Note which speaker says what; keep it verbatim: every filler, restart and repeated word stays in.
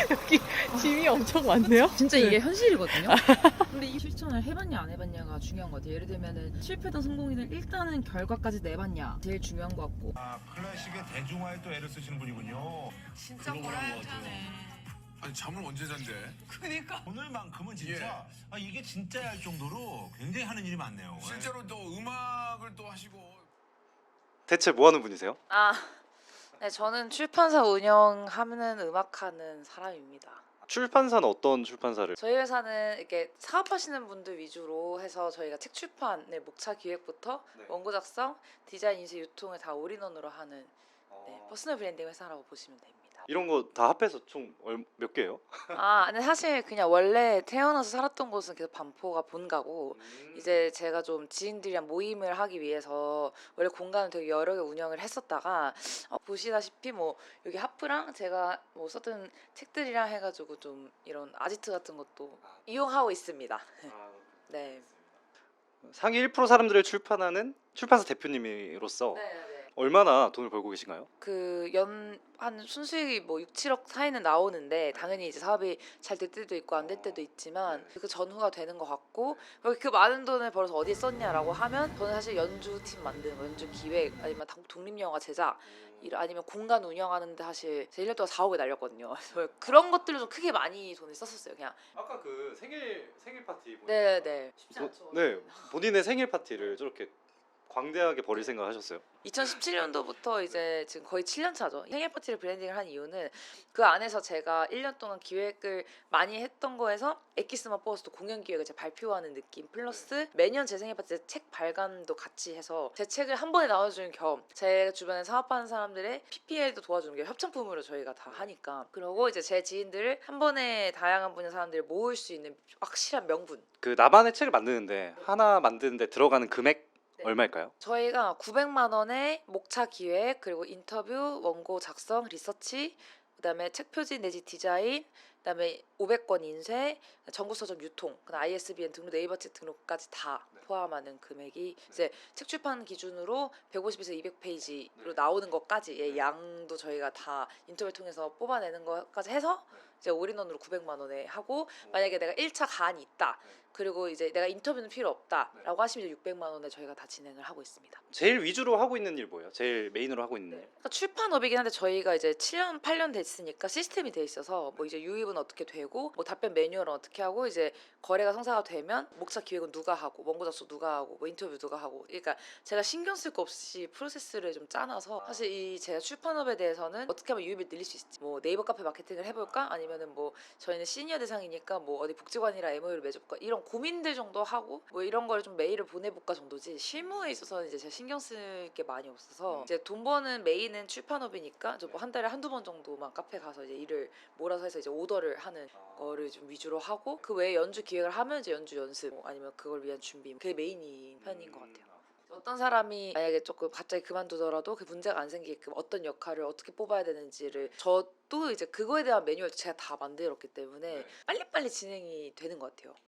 Speaker 1: 여기 짐이 엄청 많네요.
Speaker 2: 진짜 이게 현실이거든요. 근데 이 실천을 해봤냐 안 해봤냐가 중요한 것 같아요. 예를 들면은 실패든 성공이든 일단은 결과까지 내봤냐 제일 중요한 것 같고.
Speaker 3: 아, 클래식의 대중화에 또 애를 쓰시는 분이군요.
Speaker 4: 진짜 보람차네.
Speaker 5: 아니 잠을 언제 잔대?
Speaker 4: 그니까.
Speaker 3: 오늘만큼은 진짜 아, 이게 진짜야 할 정도로 굉장히 하는 일이 많네요.
Speaker 5: 실제로 또 음악을 또 하시고.
Speaker 6: 대체 뭐 하는 분이세요?
Speaker 7: 아, 네, 저는 출판사 운영하는 음악하는 사람입니다.
Speaker 6: 출판사는 어떤 출판사를?
Speaker 7: 저희 회사는 이렇게 사업하시는 분들 위주로 해서 저희가 책 출판의 목차 기획부터
Speaker 6: 네.
Speaker 7: 원고 작성, 디자인, 인쇄, 유통을 다 올인원으로 하는 네,
Speaker 6: 어...
Speaker 7: 퍼스널 브랜딩 회사라고 보시면 됩니다.
Speaker 6: 이런 거 다 합해서 총 몇 개예요?
Speaker 7: 아, 근데 사실 그냥 원래 태어나서 살았던 곳은 계속 반포가 본가고
Speaker 6: 음...
Speaker 7: 이제 제가 좀 지인들이랑 모임을 하기 위해서 원래 공간을 되게 여러 개 운영을 했었다가 어, 보시다시피 뭐 여기 하프랑 제가 뭐 썼던 책들이랑 해가지고 좀 이런 아지트 같은 것도
Speaker 6: 아.
Speaker 7: 이용하고 있습니다.
Speaker 6: 아,
Speaker 7: 네.
Speaker 6: 상위 일 퍼센트 사람들을 출판하는 출판사 대표님으로서
Speaker 7: 네.
Speaker 6: 얼마나 돈을 벌고 계신가요?
Speaker 7: 그 연 한 순수익이 뭐 육, 칠억 사이는 나오는데 당연히 이제 사업이 잘 될 때도 있고 안 될 때도 있지만 그 전후가 되는 것 같고 그 많은 돈을 벌어서 어디에 썼냐라고 하면 저는 사실 연주팀 만드는 거, 연주 기획 아니면 독립영화 제작 일- 아니면 공간 운영하는데 사실 제 일 년 동안 사억을 날렸거든요. 그래서 그런 것들로 좀 크게 많이 돈을 썼었어요. 그냥
Speaker 6: 아까 그 생일 생일 파티
Speaker 7: 네네 쉽지
Speaker 6: 보-
Speaker 7: 않죠.
Speaker 6: 네, 본인의 생일 파티를 저렇게 광대하게 벌일 생각 하셨어요?
Speaker 7: 이천십칠 년도부터 이제 지금 거의 칠 년 차죠. 생일 파티를 브랜딩을 한 이유는 그 안에서 제가 일 년 동안 기획을 많이 했던 거에서 엑기스만 버스도 공연 기획을 제가 발표하는 느낌 플러스 매년 제 생일 파티 때 책 발간도 같이 해서 제 책을 한 번에 나눠주는 겸 제 주변에 사업하는 사람들의 피피엘도 도와주는 게 협찬품으로 저희가 다 하니까 그리고 이제 제 지인들을 한 번에 다양한 분야 사람들을 모을 수 있는 확실한 명분
Speaker 6: 그 나만의 책을 만드는데 하나 만드는데 들어가는 금액
Speaker 7: 네.
Speaker 6: 얼마일까요?
Speaker 7: 저희가 구백만 원에 목차 기획 그리고 인터뷰 원고 작성 리서치 그다음에 책 표지 내지 디자인 그다음에 오백 권 인쇄 전국 서점 유통 그다음 아이에스비엔 등록 네이버 책 등록까지 다
Speaker 6: 네.
Speaker 7: 포함하는 금액이 이제 책 출판 기준으로 백오십에서 이백 페이지로
Speaker 6: 네.
Speaker 7: 나오는 것까지의 양도 저희가 다 인터뷰를 통해서 뽑아내는 것까지 해서
Speaker 6: 네.
Speaker 7: 이제 올인원으로 구백만 원에 하고 만약에 내가 일 차 가안이 있다 그리고 이제 내가 인터뷰는 필요 없다라고 하시면 이제 육백만 원에 저희가 다 진행을 하고 있습니다.
Speaker 6: 제일 위주로 하고 있는 일 뭐예요? 제일 메인으로 하고 있는 일?
Speaker 7: 그러니까 출판업이긴 한데 저희가 이제 칠 년, 팔 년 됐으니까 시스템이 돼 있어서 뭐 이제 유입은 어떻게 되고 뭐 답변 매뉴얼은 어떻게 하고 이제 거래가 성사가 되면 목차 기획은 누가 하고 원고 작성 누가 하고 뭐 인터뷰 누가 하고 그러니까 제가 신경 쓸 거 없이 프로세스를 좀 짜놔서 사실 이 제가 출판업에 대해서는 어떻게 하면 유입을 늘릴 수 있을지 뭐 네이버 카페 마케팅을 해볼까 아니면은 뭐 저희는 시니어 대상이니까 뭐 어디 복지관이랑 엠오유를 맺어볼까 이런 고민들 정도 하고 뭐 이런 걸 좀 메일을 보내볼까 정도지 실무에 있어서는 이제 제가 신경 쓸 게 많이 없어서 이제 돈 버는 메인은 출판업이니까 뭐 한 달에 한두 번 정도만 카페 가서 이제 일을 몰아서 해서 이제 오더를 하는 거를 좀 위주로 하고 그 외에 연주 기획을 하면 이제 연주 연습 뭐 아니면 그걸 위한 준비 그게 메인인 편인 것 같아요. 어떤 사람이 만약에 조금 갑자기 그만두더라도 그 문제가 안 생기게끔 어떤 역할을 어떻게 뽑아야 되는지를 저도 이제 그거에 대한 매뉴얼도 제가 다 만들었기 때문에 빨리빨리 진행이 되는 것 같아요.